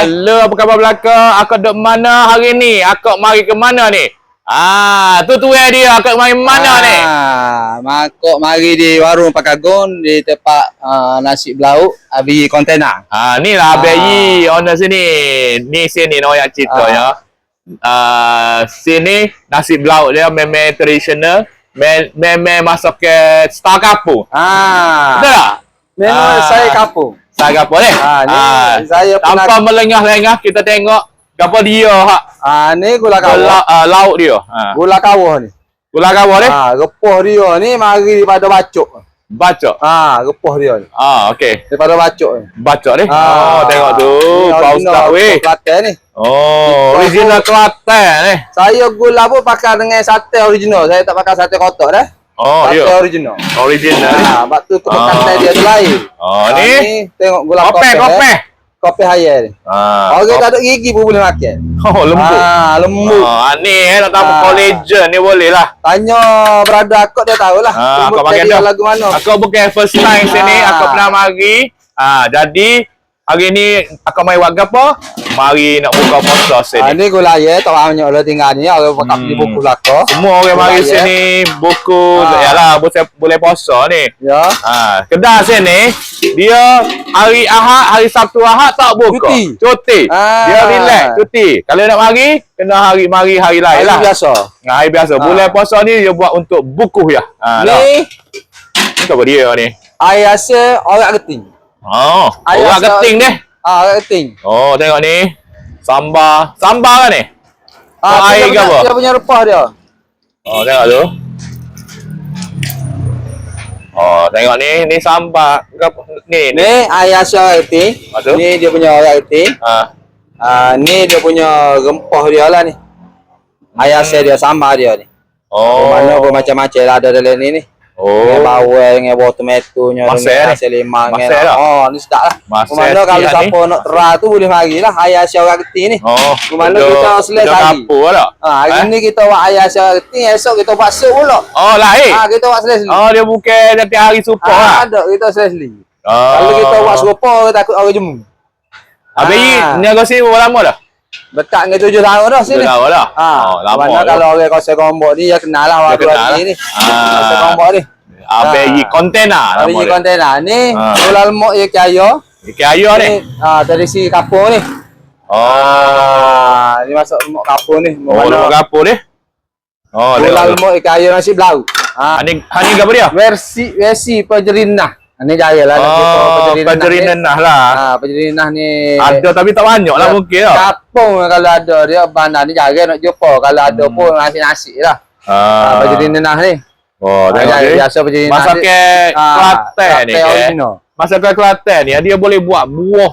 Halo, apa khabar belaka? Akak duk mana hari ni? Akak mari ke mana ni? Tu dia. Akak mari mana ni? Makok mari di warung Pakagon di tempat nasi belauk abi kontena. Ni lah Abayi owner sini. Ni sini nak cerita ya. Sini nasi belauk dia memang tradisional. Memang masuk ke star kapur. Betul tak? Memang saya kapur. Saya kapur ni. Ni saya tanpa melengah-lengah kita tengok apa dia hak. Ni gula kawah. Lauk dia. Gula kawah ni. Gula kawah ni? Repuh dia ni mari daripada bacok. Bacok? Repuh dia ni. Okey. Daripada bacok ni. Bacok ni? Tengok tu. Bau sedap weh. Kelantan ni. Original Kelantan ni. Saya gula pun pakai dengan sate original. Saya tak pakai sate kotak dah. Sate original. Original ni. Sebab tu kebekatan dia tu lain. Ni tengok gula kopi. Kopi hayal ni. Orang tak ada gigi pun boleh makan. Lembut. Lembut. Ni nak tahu collagen ni boleh lah. Tanya berada akak dia tahulah. Akak pakai dah. Lagu mana? Akak bukan first time sini. Akak pernah mari. Jadi hari ni akak mai buat apa? Mari nak buka puasa sini. Ni gula ya, tak banyak orang tinggal ni. Orang pakai beli buku belaka. Semua orang mari sini buku. Yalah, boleh puasa ni. Ya. Kedai sini dia hari Ahad, hari Sabtu Ahad tak buka. Cuti. Dia relax, cuti. Kalau nak mari, kena mari hari lain lah. Hari biasa. Hari biasa. Bulan puasa ni dia buat untuk buku ya. Ni apa dia ni? air hasil orang keting. Orang keting deh. Orang keting. Tengok ni. Sambal kan ni? Air ke apa? Dia punya rempah dia. Tengok tu. Tengok ni sambal. Ni air hasil orang keting. Ni dia punya orang keting. Ni dia punya rempah dia lah ni. Air hasil dia, sambal dia ni. Mana pun macam-macam lah ada dalam ni. Dengan bawang, dengan buah tomato nya, dengan hasil limang. Ni sedap lah. Mana kalau siapa nak terah tu boleh mari lah. Air hasil orang keting ni. Mana kita selesai lagi. Hari ni kita buat air hasil orang keting. Esok kita buat sup pula. Lain? Kita buat selesai. Dia bukan setiap hari supa lah. Ada, kita selesai. Kalau kita buat serupa, takut orang jemu. Abayi, niaga sini berapa lama dah? Dekat dengan 7 tahun dah sini. 7 tahun dah? Lama dah. Kalau orang Kosek Gombok ni, dia kenal lah orang ni. Kosek Gombok ni. Abayi kontena. Abayi kontena. Ni, gula lemak ia kaya. Kaya ni? Tradisi kapur ni. Ni masuk lemak kapur ni. Lemak kapur ni? Gula lemak ia kaya nasi belauk. Ni apa dia? Versi pejerinah. Ni jaya lah. Pejerinah lah. Pejerinah ni ada tapi tak banyak lah mungkin lah. Kapung kalau ada dia bandar ni jaya nak jumpa. Kalau ada pun nasi-nasi lah. Pejerinah ni. Tengok ni. Biasa pejerinah. Masak ke Kelantan ni. Masak ke Kelantan ni. Dia boleh buat buah.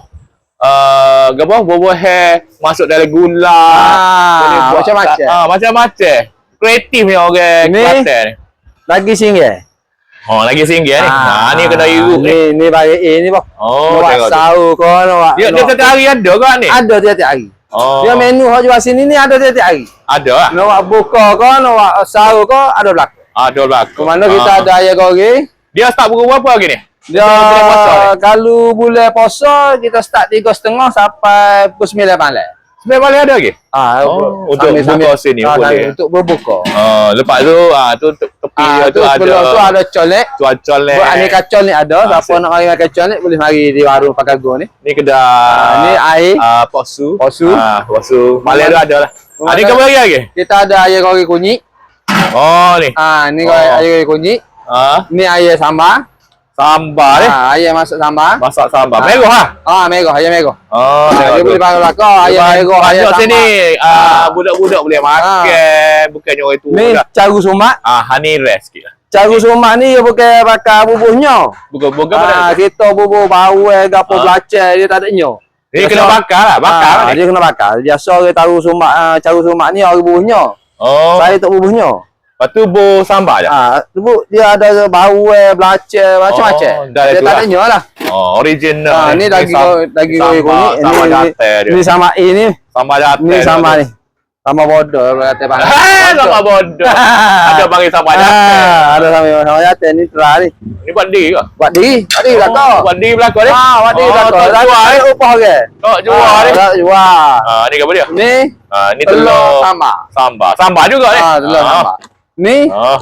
Buah hair masuk dalam gula. Macam-macam. Macam-macam. Kreatif ni orang Kelantan ni. Lagi singgah. Lagi singgah ni. Ni kena iruk ni. Ni baik ni bang. Tengok sahur kau nak. Dia setiap hari ada ke ni? Ada tiap-tiap hari. Dia menu hok jual sini ni ada tiap-tiap hari. Ada lah. Nak buat buka kau, nak buat sahur kau ada belakang. Ada belakang. Mana kita ada ayam goreng. Dia start pukul berapa lagi ni? Dia kalau bulan puasa kita start 3.30 sampai pukul 9 malam. Sebenarnya boleh ada lagi? Untuk buka sini boleh. Untuk berbuka. Lepas tu tepi tu ada. Tu ada colek. Colek. Buat aneka colek ada. Siapa nak mari makan colek boleh mari di warung Pakagon ni. Ni kedai. Ni air. Posu. Posu. Malam tu ada lah. Ni ke lagi? Kita ada ayam goreng kunyit. Ni. Ni ayam goreng kunyit. Ni ayam sambal. Sambal ni? Ayam masak sambal. Masak sambal. Merah lah? Merah. Ayam merah. Dia boleh pakai belakang. Ayam merah. Ayam sambal. Sini, budak-budak boleh makan. Bukannya orang tua. Ni caru sumak. Honey rest sikit lah. Caru sumak ni dia bukan pakai bubuhnya. Bukan apa? Kita bubuh bawang, gapo belacan, dia tak ada nyo. Dia kena bakar lah. Bakar ni. Dia kena bakar. Biasa orang tahu sumak, caru sumak ni orang bubuhnya. Saya tak bubuhnya. Lepas tu bu sambal je? Dia ada bawang, belacan, macam-macam. Dia tak ada nyo lah. Original. Ni daging goreng kunyit. Ni sama ini. Sambal jatuh. Ni sama ni. Sama bodoh kata bang. Sama bodoh. Ada bagi sama jatuh. Ada sama jatuh ni terah ni. Ini buat diri ke? Buat diri belakang. Buat diri belakang ni? Buat diri belakang. Tak jual ni? Upah ke? Tak jual ni? Tak jual. Ni apa dia? Ni telur sambal. Sambal juga ni? Telur sambal. Ni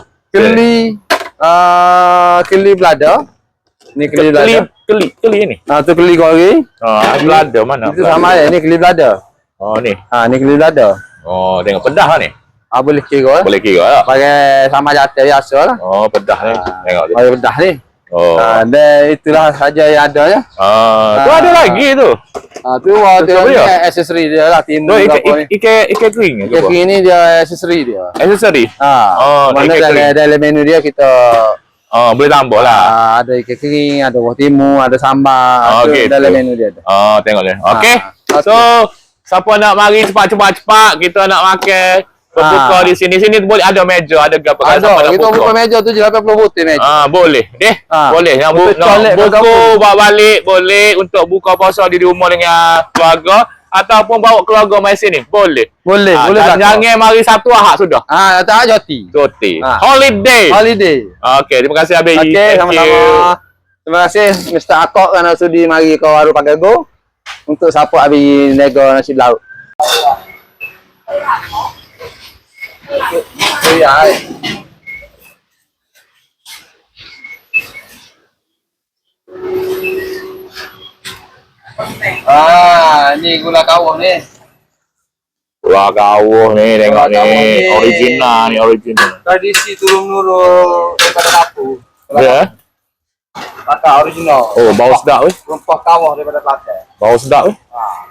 keli belada. Ni keli belada. Keli ni? Tu keli goreng. Belada mana? Itu sama ya, ni keli belada. Ni? Ni keli belada. Tengok pedah lah ni? Boleh kira. Boleh kira lah. Pakai sama jatuh biasa lah. Pedah ni. Tengok tu. Pakai pedah ni. Dan itulah saja yang ada ya. Tu ada lagi tu. Tu aksesori dia lah. Ikan kering. Ikan kering ni dia aksesori dia. Aksesori? Mana dalam menu dia kita boleh tambah lah. Ada ikan kering, ada buah timun, ada sambal. Dalam menu dia tu. Tengok ni. Okey. So, siapa nak mari cepat-cepat kita nak makan berbuka di sini. Sini boleh ada meja, ada gap. Ada. Kita buka meja tu je 80 butir meja. Boleh. Boleh. Nak buku bawa balik boleh untuk buka puasa di rumah dengan keluarga ataupun bawa keluarga mai sini. Boleh. Boleh. Jangan mari satu Ahad sudah. Tak cuti. Holiday. Okey, terima kasih Abang. Okey, sama-sama. Terima kasih Mr. Akok kerana sudi mari ke warung Pagago untuk support Abi nego nasi lauk. Ni gula kawah ni. Gula kawah ni, tengok ni. Original. Tradisi turun-menurun daripada dapur. Ya. Kakak original. Bau sedap weh. Rempah kawah daripada Kelantan. Bau sedap weh.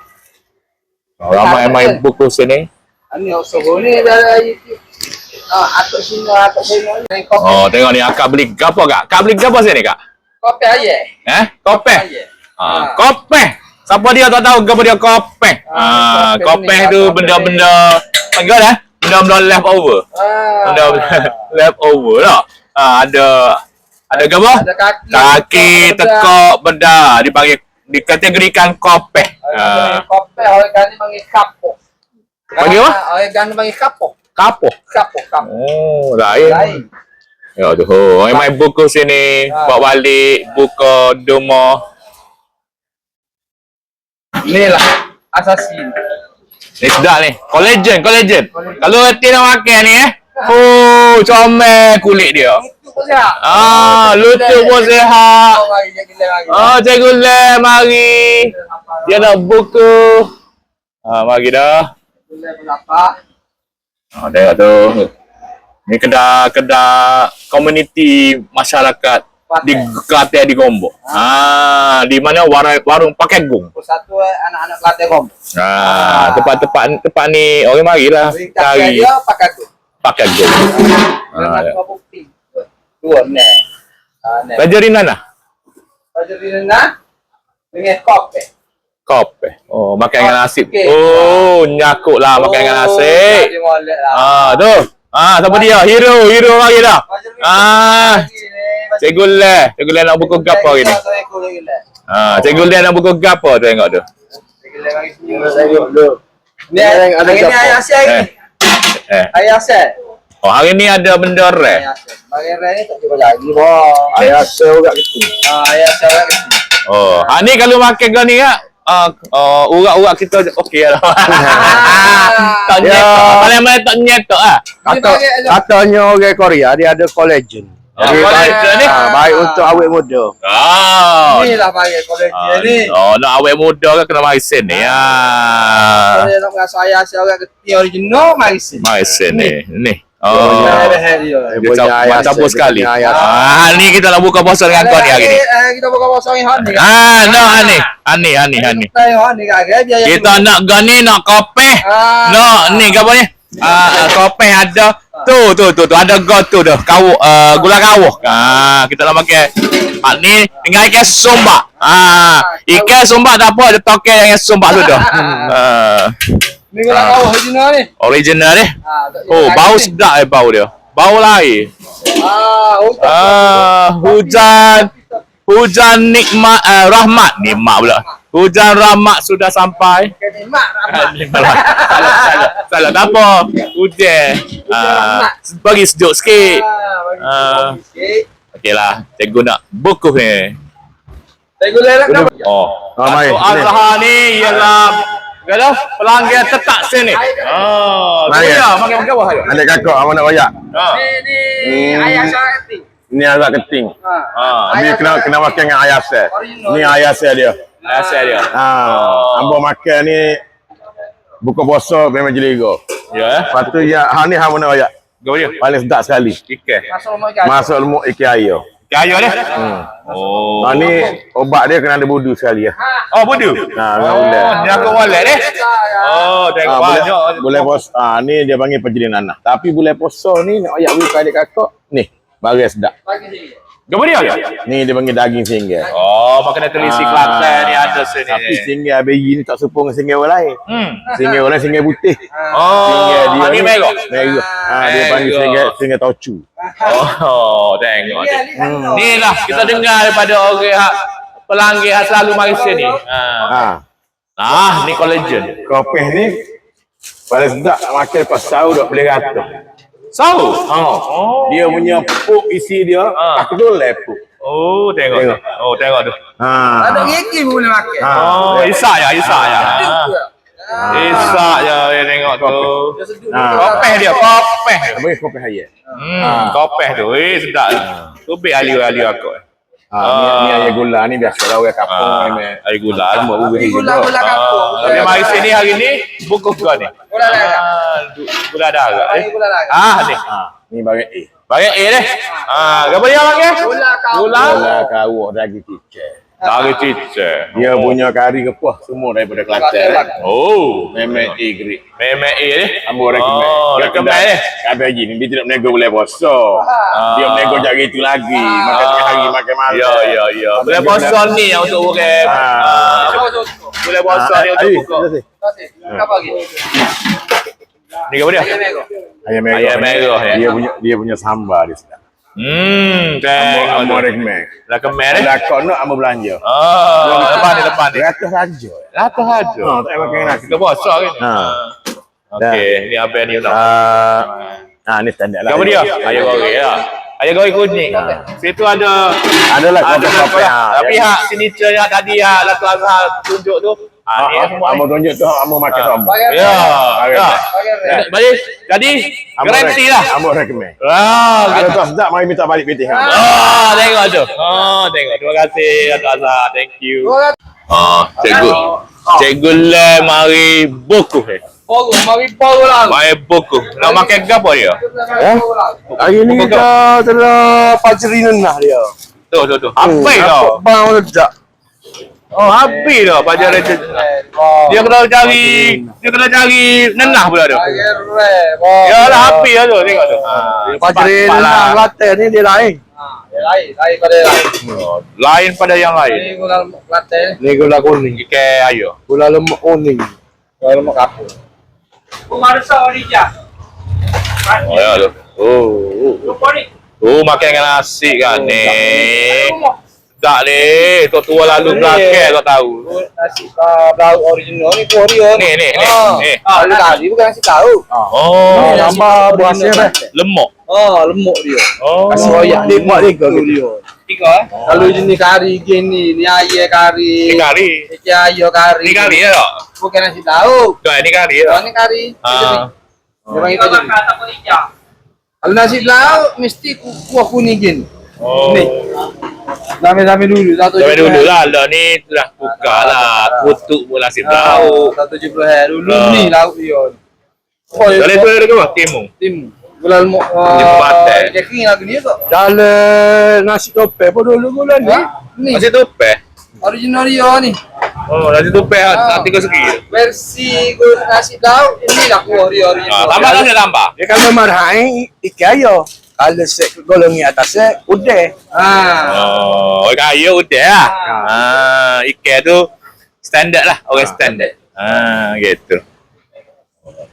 Ramai main buku sini. Ini sobo ni dari atuk sini. Tengok ni akak beli gapo kak? Kak beli gapo sini kak? Kopi aja. Kopi. Kopi. Siapa dia tak tahu gapo dia kopi. Kopi tu benda-benda panggil dah. Benda-benda leftover. Leftover lah. Ada gapo? Kaki, tekak, benda dipanggil dikategorikan kopi. Kopi orang kan panggil kapok. Panggil apa? Orang kan panggil kapok. Kapok. Lain. Ya tu. Main buku sini, bawa balik buka rumah. Ni lah asasin. Ni sedap ni. Collagen. Kalau hati nak makan ni comel kulit dia. Lutut pun sihat. Cikgu Lem mari. Dia nak buku. Mari dah. Tengok tu. Ni kedai komuniti masyarakat di Kelantan di Gombok. Di mana warung pakai gung. Satu anak-anak Kelantan Gombok. Tempat ni orang marilah cari pakai gung. Dua ni. Pelajari mana? Dengan kopi. Kopi. Makan dengan nasi. Nyakut lah makan dengan nasi. Tu. Siapa dia? Hero lagi dah. Cikgu Le nak buku gapo hari ni? Cikgu Le nak buku gapo tengok tu. Ni ada ayah saya. Ayah saya. Hari ni ada benda rare. Bagi rare ni tak cuba lagi boh. Ayah saya juga gitu. Ayah saya gitu. Ni kalau makan kau ni kak, urat-urat kita okey lah. Tak nyetok. Paling-paling tak nyetok lah. Katanya orang Korea dia ada collagen. Collagen ni? Baik untuk awet muda. Inilah bagi collagen ni. Nak awet muda kan kena mari sini. Kalau nak rasa ayah saya orang keti original, mari sini. Mari sini. Ni. Dia campur sekali. Ni kita nak buka puasa dengan kau ni hari ni. Kita buka puasa dengan ni. Hani. Kita nak gani, nak kopi. Ni apa ni? Kopi ada. Tu ada tu dah. Gula kawah. Kita nak pakai ni dengan ikan sombak. Ikan sombak tak apa, ada toke yang sombak tu dah. Ni gula kawah original ni. Original ni. Bau sedap bau dia. Bau lain. Hujan. hujan nikmat nikmat pula. Hujan rahmat sudah sampai. Salah tak apa. Hujan. Bagi sejuk sikit. Okeylah, cikgu nak buku ni. Cikgu dah. Datuk Azhar ni ialah kata pelanggan tetap sini. Makan bawah ayo. Adik kakak awak nak royak. Ni ayah syarat keting. Ni agak keting. Dia kena makan dengan ayam sel. Ni ayam sel dia. Asal dia. Ambo makan ni buka puasa memang jeligo. Ya. Lepas tu ni hang nak royak. Go dia. Paling sedap sekali. Ikan. Masuk lemuk ikan air. Kayu dia. Ni obat dia kena ada budu sekali ya. Oh, budu. Ni aku wallet dia. Tengok banyak. Boleh puasa. Ni dia panggil perjalanan nanah. Tapi boleh puasa ni nak royak buka adik kakak. Ni, barang sedap. Gambar dia ke? Ni dia panggil daging singgah. Makan telisi Kelantan ni ada sini. Tapi singgah ABI ni tak serupa dengan singgah orang lain. Singgah orang lain singgah putih. Singgah dia ni merah. Merah. Dia panggil singgah tocu. Tengok. Ni lah kita dengar daripada orang pelanggan yang selalu mari sini. Ni collagen. Kopi ni paling sedap nak makan lepas sahur dah boleh rata. Sahur? Dia punya puk isi dia tak kedul lepuk. Tengok. Tengok tu. Ada gigi pun boleh makan. Isak ya. Isak ya, tengok tu. Kopeh dia. Bagi kopi haya. Kopeh tu. Sedap. Tu bik ali-ali aku. Ni air gula ni biasalah orang kampung air gula. Gula kampung. Tapi mari sini hari ni buku kau ni. Gula darah. Ni. Ni barang A. Barang A deh. Apa dia panggil? Gula kawak daging cicak. Daging cicak. Dia punya kari kepuh semua daripada Kelantan. Memang A grade. Memang A deh. Ambo rekomen deh. Kabeh haji ni dia tidak menego boleh puasa. Dia menego jari itu lagi. Makan tengah hari makan malam. Ya. Boleh puasa ni yang untuk orang. Boleh puasa ni untuk buka. Apa lagi? Ni apa dia? Ayam merah. Dia punya sambal dia sedap. Tengok. Ambo rekomen. Lah kemer eh. Lah kau nak ambo belanja. Depan ni. Ratus saja. Ratus saja. Tak payah makan nasi. Kita puasa kan. Okey, ni apa ni nak? Ni standard lah. Apa dia? Ayam goreng lah. Ayam goreng kuning. Situ ada kopi. Tapi hak signature yang tadi Datuk Azhar tunjuk tu. Ambo tunjuk tu ambo makan sama. Ya. Jadi garanti lah. Ambo rekomen. Kalau tak sedap mari minta balik PT. Tengok tu. Tengok. Terima kasih Datuk Azhar. Thank you. Cikgu. Cikgu le mari buku Mari pogo lah. Mari buku. Nak makan ke apa dia? Hari ni kita telah Fajri Nenah dia. Tu. Habis dah. Bang ledak. Habis dah pajar dia. Dia kena cari nenah pula tu. Yalah habis dah tu tengok tu. Fajri Nenah Kelantan ni dia lain. Lain pada yang lain. Ini gula Kelantan. Ni gula kuning. Ikan ayo. Gula lemak kuning. Gula lemak kapur. Marsa Orija. Ya tu. Makan dengan nasi kan ni. Tak ni, tua lalu belakang kau tahu. Nasi blau original ni Korea ni. Lalu tadi bukan nasi tahu. Tambah buah sireh. Lemak. Lemak dia. Kasih royak dia buat dia. Tiga Kalau jenis kari gini, ni ayam kari. Ni kari. Ni ayam kari. Ni kari ya tak? Bukan nasi tahu. Ni kari ya. Ni kari. Dia panggil tu jadi. Kalau nasi tahu mesti kuah kuning gini. Ni. Sampai dulu. Sampai dulu lah. Ni dah buka lah. Kutuk pun nasib tahu. 170 dulu ni lauk dia. Dari tu ada ke apa? Timu. Gula lemak. Kering lagu ni tak? Dalam nasi topeng pun dulu gula ni. Ni. Nasi topeng? Original dia ni. Nasi topeng hati kau segi. Versi nasi lauk ini lah kuah dia original. Tambah kan dia tambah? Dia kalau marhain ikan ayo. Kalau set golongi atas set udah. Ikan ayo udah lah. Ikan tu standard lah. Orang standard. Gitu.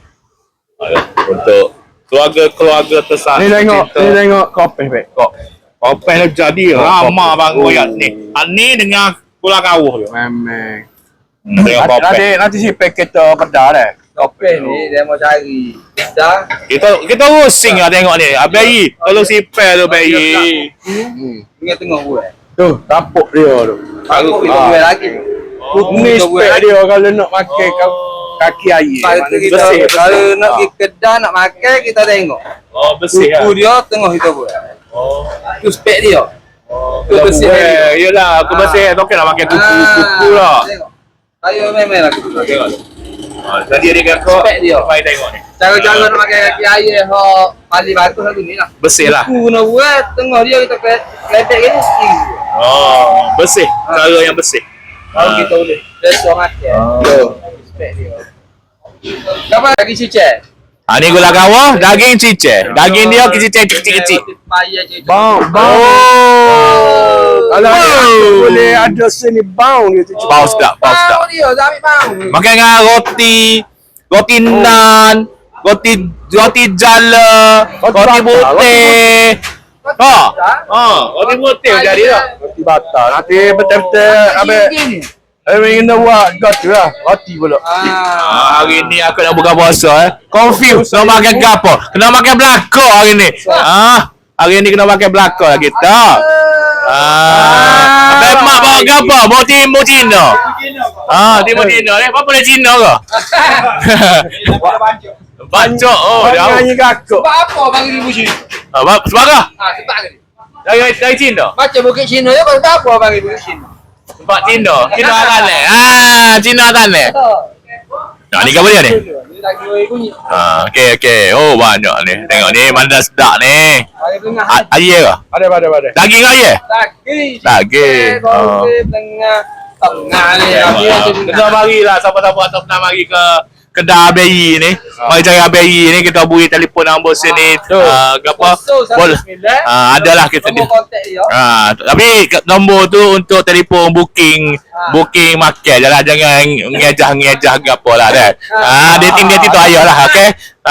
Untuk keluarga tersayang. Ni tengok kopi baik. Kopi dah jadi ramah bang koyak ni. Ni dengan gula kawuh tu. Memang. Dengan kopi. Nanti si paket kedah deh. Kopi ni dia mau cari. Dah. Kita rusing lah tengok ni. Abai, tolong sipel tu bayi. Ingat tengok gue. Tu, tapuk dia tu. Aku kita gue lagi. Ni spek dia kalau nak pakai kaki air. Kalau nak pergi kedai nak makan kita tengok. Oh, bersih lah. Kuku dia tengok kita buat. Oh. Tu spek dia. Tu bersih. Yelah, aku bersih. Tak nak pakai kuku lah. Tengok. Ayo memang lah kita Tengok. Tadi dia kata, spek dia. mari tengok ni. Cara-cara nak pakai kaki air hok pali batu satu ni lah. Bersih lah. Kuku nak buat tengok dia kita kelepek gini sikit. Oh, bersih. Cara yang bersih. Kalau kita boleh. Besok makan. Spek dia. Apa lagi cicak? Ni gula kawah, daging cicak. Daging dia cicak kecil-kecil. Bau. Kalau boleh ada sini bau dia tu. Bau sedap, bau sedap. Bau dia, tak ambil bau. Makan dengan roti naan, roti jala, roti putih. Roti putih jadi dah. Roti batal. Nanti betul-betul Kena buat got lah. Roti pula. Hari ni aku nak buka puasa Confused nak makan apa? Kena makan belaka hari ni. Hari ni kena makan belaka lah kita. Abang mak bawa apa? Bawa timur Cina. Timur Cina ni. Apa dia Cina ke? Bancok. Dia nyanyi kakak. Sebab apa bagi ribu Cina? Sebab apa? Sebab ke? Dari Cina? Macam Bukit Cina ya, sebab apa bagi Bukit Cina? Sebab Cina. Cina tanah. Cina tanah. Ni apa dia ni? Ni lagi bunyi. Okey. Oh, banyak ni. Tengok ni, mana sedap ni. Bagi tengah. Ayam ke? Ada. Daging ayam? Daging. Tengah. Tengah ni. Kita marilah siapa-siapa atau pernah mari ke kedai Abai ni. Mari cari Abai ni, kita hubungi telefon nombor sini. Apa? Boleh. Adalah kita ni. Tapi nombor tu untuk telefon booking makan. Jangan ngejah ke apa lah dah. Dating tu ayolah, okey.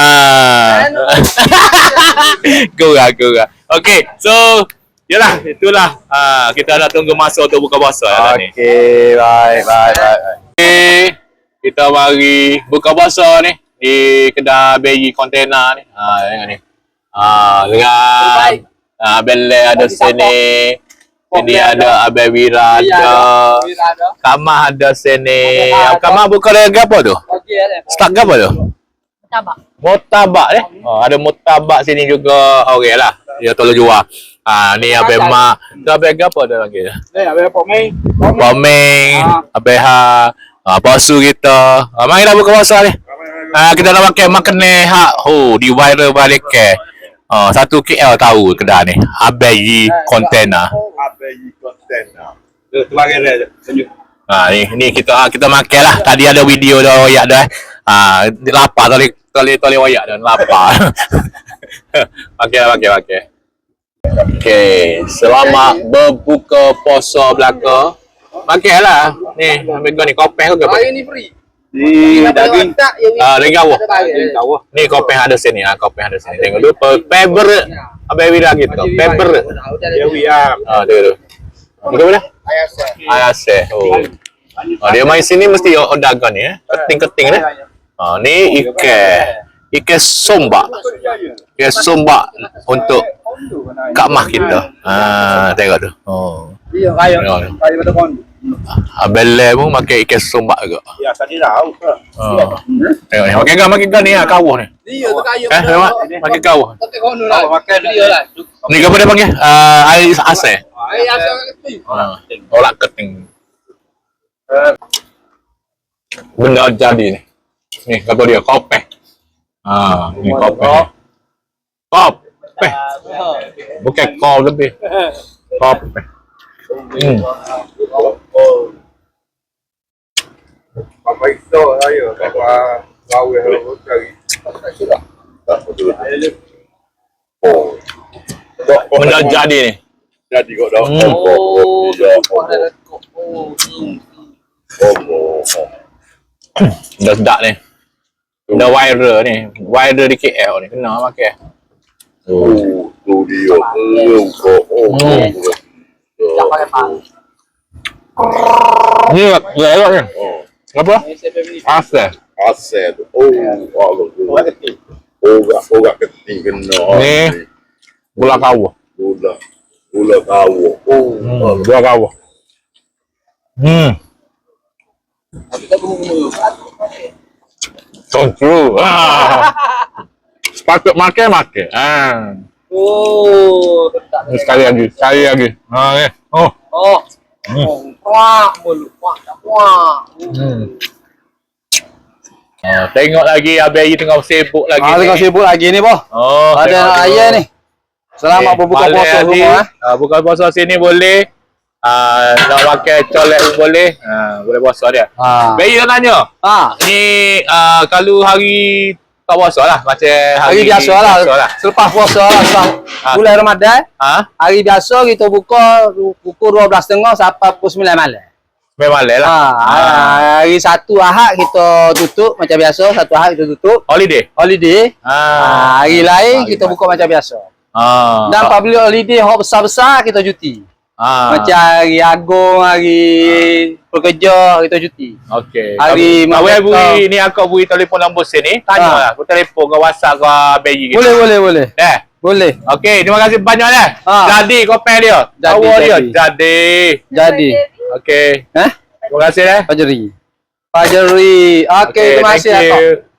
Gurau. Okey. So, yalah, itulah. Kita nak tunggu masa untuk buka puasa lah ni. Okey, bye. Okay. Kita mari buka puasa ni di kedai Bayi Kontena ni. Tengok ni. Dengan Belle ada sini. Sini ada Abang Wira ada. Kamah ada sini. Kamah buka dengan apa tu? Start apa tu? Motabak ni. Ada motabak sini juga. Okey lah. Dia tolong jual. Ni Abang Mak. Tu Abang apa tu lagi? Abang Pomeng. Abang basuh kita. Marilah buka puasa ni. Kita nak makan ni di viral balik ke. 1 KL tahu kedai ni. Abai Kontena. Tu bagi dia tunjuk. Ni kita makan lah. Tadi ada video dah royak dah. Lapar tali royak dah. Lapar. Makan. Okey, selamat berbuka puasa belaka. Makanlah. Ni, ambil kau ni kopi ke apa? ni free. Di daging. Daging kawah. Ni kopi ada sini. Kopi ada sini. Tengok dulu. Favorite. Abang Wira gitu. Favorite. Tu. Bukan mana? Ayase. Dia main sini mesti dagang ni. Keting ni. Ni ikan sombak. Ikan sombak untuk Kak Mah kita. Tengok tu. Iya, kayu pada kon. Abelle pun makan ikan sombak juga. Ya, tadi tahu ke? Tengok ni. Makan ni kawah ni. Iya, tu kayu. Makan kawah. Tapi kon lah. Makan dia lah. Ni apa dia panggil? Air ase. Air ase keting. Tolak keting. Benda jadi ni. Ni apa dia? Kopi. Ni kopi. Kopi. Bukan kau lebih. Kopi. Apa itu ayo, apa kau yang cari. Benda jadi ni. Jadi kok dah. Dah sedap ni. Dah viral ni. Viral di KL ni. Kena makan. Tu dia. Tak pakai pang. Ni elok ni. Apa? Asal. Asal tu. Allah tu. Orang keting kena. Ni gula kawah. Gula kawah. Gula kawah. Kita bumbu. Control. Sepatut makan. Oh, Ni sekali lagi. Ni. Oh. Kuak mulu, kuak. Tengok lagi Abang Yi tengah sibuk lagi. Tengok sibuk lagi ni, boh. Oh, Ada nak ayah ni. Selamat berbuka puasa semua. Buka puasa sini boleh. Nak pakai colek pun boleh. Boleh puasa dia. Abang Yi nak tanya. Ni kalau hari tak puasa lah. Macam Hari biasa lah. Selepas puasa lah. Bulan Ramadan. Hari biasa kita buka pukul 12.30 sampai pukul 9 malam. Memang lah. Hari Sabtu Ahad kita tutup macam biasa. Satu Ahad kita tutup. Holiday. Hari lain kita buka macam biasa. Dan public holiday hak besar-besar kita cuti. Macam hari Agung, hari pekerja kita cuti. Okey. Hari Bui ni aku bui telefon nombor sini. Tanyalah. Aku telefon ke WhatsApp ke Abang Yi. Boleh. Boleh. Okey, terima kasih banyak dah. Jadi kopi dia. Awal dia. Jadi. Okey. Terima kasih dah. Fajri. Okey, terima kasih.